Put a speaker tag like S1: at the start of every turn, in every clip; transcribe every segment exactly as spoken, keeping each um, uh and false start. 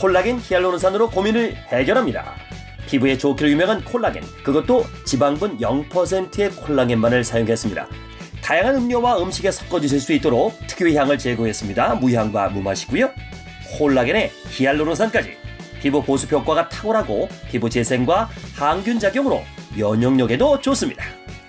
S1: 콜라겐 히알루론산으로 고민을 해결합니다. 피부에 좋기로 유명한 콜라겐, 그것도 지방분 영 퍼센트의 콜라겐만을 사용했습니다. 다양한 음료와 음식에 섞어 드실 수 있도록 특유의 향을 제거했습니다. 무향과 무맛이고요. 콜라겐에 히알루론산까지 피부 보습 효과가 탁월하고 피부 재생과 항균 작용으로 면역력에도 좋습니다.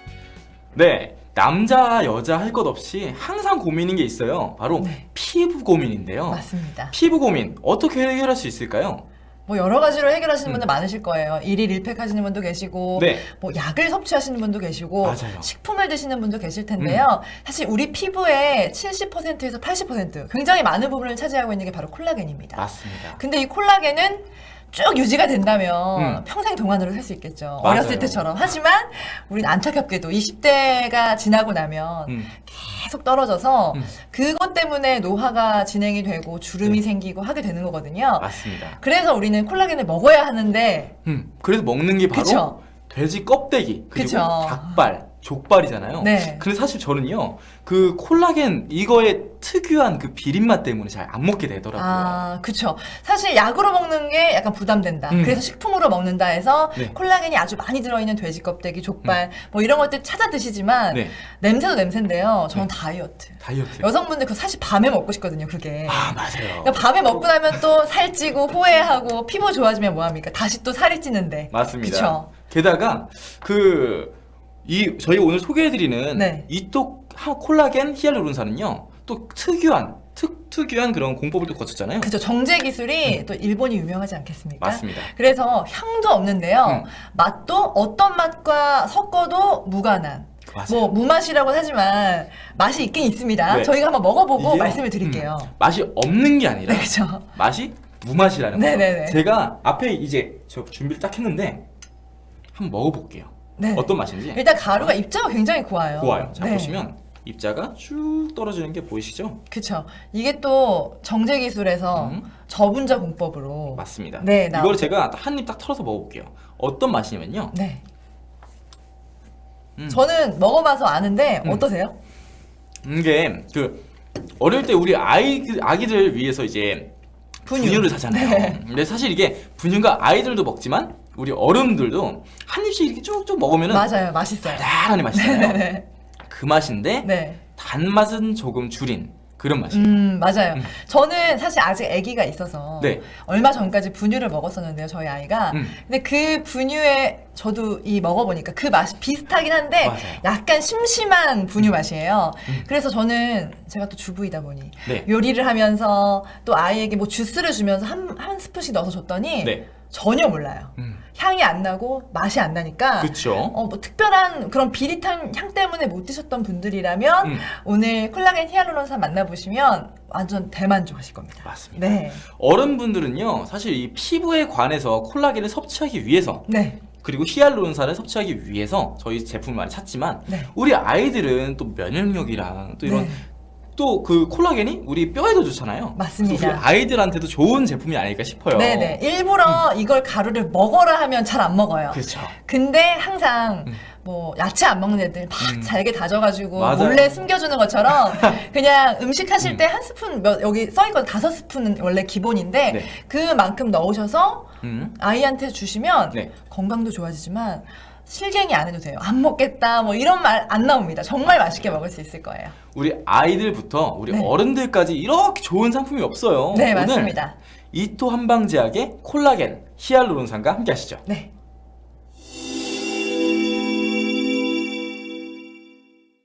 S2: 네, 남자 여자 할 것 없이 항상 고민인 게 있어요. 바로
S3: 네.
S2: 피부 고민인데요.
S3: 맞습니다.
S2: 피부 고민 어떻게 해결할 수 있을까요?
S3: 뭐 여러 가지로 해결하시는
S2: 음.
S3: 분들 많으실 거예요. 일일 일팩 하시는 분도 계시고,
S2: 네.
S3: 뭐 약을 섭취하시는 분도 계시고,
S2: 맞아요.
S3: 식품을 드시는 분도 계실 텐데요. 사실 우리 피부의 칠십 퍼센트에서 팔십 퍼센트 굉장히 많은 부분을 차지하고 있는 게 바로 콜라겐입니다.
S2: 맞습니다.
S3: 근데 이 콜라겐은 쭉 유지가 된다면
S2: 음.
S3: 평생 동안으로 살 수 있겠죠.
S2: 맞아요.
S3: 어렸을 때처럼. 하지만 우린 안타깝게도 이십 대가 지나고 나면
S2: 음.
S3: 계속 떨어져서
S2: 음.
S3: 그것 때문에 노화가 진행이 되고 주름이
S2: 네.
S3: 생기고 하게 되는 거거든요.
S2: 맞습니다.
S3: 그래서 우리는 콜라겐을 먹어야 하는데
S2: 음, 그래서 먹는 게 바로
S3: 그쵸?
S2: 돼지 껍데기 그리고
S3: 그쵸.
S2: 닭발, 족발이잖아요.
S3: 네.
S2: 근데 사실 저는요, 그 콜라겐 이거의 특유한 그 비린맛 때문에 잘 안 먹게 되더라고요.
S3: 아, 그쵸. 사실 약으로 먹는 게 약간 부담된다.
S2: 음.
S3: 그래서 식품으로 먹는다 해서
S2: 네.
S3: 콜라겐이 아주 많이 들어있는 돼지 껍데기, 족발 뭐 이런 것들 찾아 드시지만
S2: 네.
S3: 냄새도 냄새인데요. 저는
S2: 네.
S3: 다이어트.
S2: 다이어트.
S3: 여성분들 그 사실 밤에 먹고 싶거든요, 그게.
S2: 아, 맞아요.
S3: 그러니까 밤에 먹고 나면 또 살찌고 후회하고 피부 좋아지면 뭐합니까? 다시 또 살이 찌는데.
S2: 맞습니다.
S3: 그쵸?
S2: 게다가 그 이 저희가 오늘 소개해드리는
S3: 네.
S2: 이 또 콜라겐 히알루론산은요, 또 특유한 특 특유한 그런 공법을 또 거쳤잖아요.
S3: 그죠. 정제 기술이 또 일본이 유명하지 않겠습니까?
S2: 맞습니다.
S3: 그래서 향도 없는데요.
S2: 음.
S3: 맛도 어떤 맛과 섞어도 무관한.
S2: 맞아요.
S3: 뭐 무맛이라고 하지만 맛이 있긴 있습니다.
S2: 네.
S3: 저희가 한번 먹어보고
S2: 이게요,
S3: 말씀을 드릴게요.
S2: 음, 맛이 없는 게 아니라
S3: 네, 그죠.
S2: 맛이 무맛이라는 거예요.
S3: 네네네.
S2: 제가 앞에 이제 저 준비를 딱 했는데 한번 먹어볼게요.
S3: 네.
S2: 어떤 맛인지.
S3: 일단 가루가 입자가 굉장히 고와요.
S2: 고와요. 자,
S3: 네.
S2: 보시면 입자가 쭉 떨어지는 게 보이시죠?
S3: 그쵸. 이게 또 정제 기술에서
S2: 음.
S3: 저분자 공법으로.
S2: 맞습니다.
S3: 네,
S2: 이걸
S3: 나오죠.
S2: 제가 한 입 딱 털어서 먹어볼게요. 어떤 맛이냐면요.
S3: 네.
S2: 음.
S3: 저는 먹어봐서 아는데
S2: 음.
S3: 어떠세요?
S2: 이게 그 어릴 때 우리 아이 아기들 위해서 이제
S3: 분유.
S2: 분유. 를 사잖아요.
S3: 네.
S2: 근데 사실 이게 분유가 아이들도 먹지만 우리 어른들도 한 입씩 이렇게 쭉쭉 먹으면은
S3: 맞아요. 맛있어요.
S2: 달달하니 맛있잖아요.
S3: 네.
S2: 그 맛인데
S3: 네.
S2: 단맛은 조금 줄인 그런 맛이에요.
S3: 음, 맞아요.
S2: 음.
S3: 저는 사실 아직 아기가 있어서
S2: 네.
S3: 얼마 전까지 분유를 먹었었는데요, 저희 아이가.
S2: 음.
S3: 근데 그 분유에 저도 이 먹어보니까 그 맛이 비슷하긴 한데
S2: 맞아요.
S3: 약간 심심한 분유 맛이에요.
S2: 음.
S3: 그래서 저는 제가 또 주부이다 보니
S2: 네.
S3: 요리를 하면서 또 아이에게 뭐 주스를 주면서 한, 한 스푼씩 넣어서 줬더니
S2: 네.
S3: 전혀 몰라요.
S2: 음.
S3: 향이 안 나고 맛이 안 나니까
S2: 그쵸.
S3: 어, 뭐 특별한 그런 비릿한 향 때문에 못 드셨던 분들이라면
S2: 음.
S3: 오늘 콜라겐 히알루론산 만나보시면 완전 대만족하실 겁니다.
S2: 맞습니다.
S3: 네.
S2: 어른분들은요, 사실 이 피부에 관해서 콜라겐을 섭취하기 위해서
S3: 네.
S2: 그리고 히알루론산을 섭취하기 위해서 저희 제품을 많이 찾지만
S3: 네.
S2: 우리 아이들은 또 면역력이랑 또 이런
S3: 네.
S2: 또 그 콜라겐이 우리 뼈에도 좋잖아요.
S3: 맞습니다.
S2: 그래서 우리 아이들한테도 좋은 제품이 아닐까 싶어요.
S3: 네네. 일부러 이걸 가루를 먹어라 하면 잘 안 먹어요.
S2: 그렇죠.
S3: 근데 항상
S2: 음.
S3: 뭐 야채 안 먹는 애들 막
S2: 음.
S3: 잘게 다져가지고
S2: 맞아요.
S3: 몰래 숨겨주는 것처럼 그냥 음식 하실
S2: 음.
S3: 때 한 스푼 몇 여기 써있거든 다섯 스푼은 원래 기본인데
S2: 네.
S3: 그만큼 넣으셔서
S2: 음.
S3: 아이한테 주시면
S2: 네.
S3: 건강도 좋아지지만 실갱이 안 해도 돼요. 안 먹겠다 뭐 이런 말 안 나옵니다. 정말 맛있게 먹을 수 있을 거예요.
S2: 우리 아이들부터 우리
S3: 네.
S2: 어른들까지 이렇게 좋은 상품이 없어요.
S3: 네,
S2: 오늘
S3: 맞습니다.
S2: 이토 한방제약의 콜라겐 히알루론산과 함께 하시죠.
S3: 네.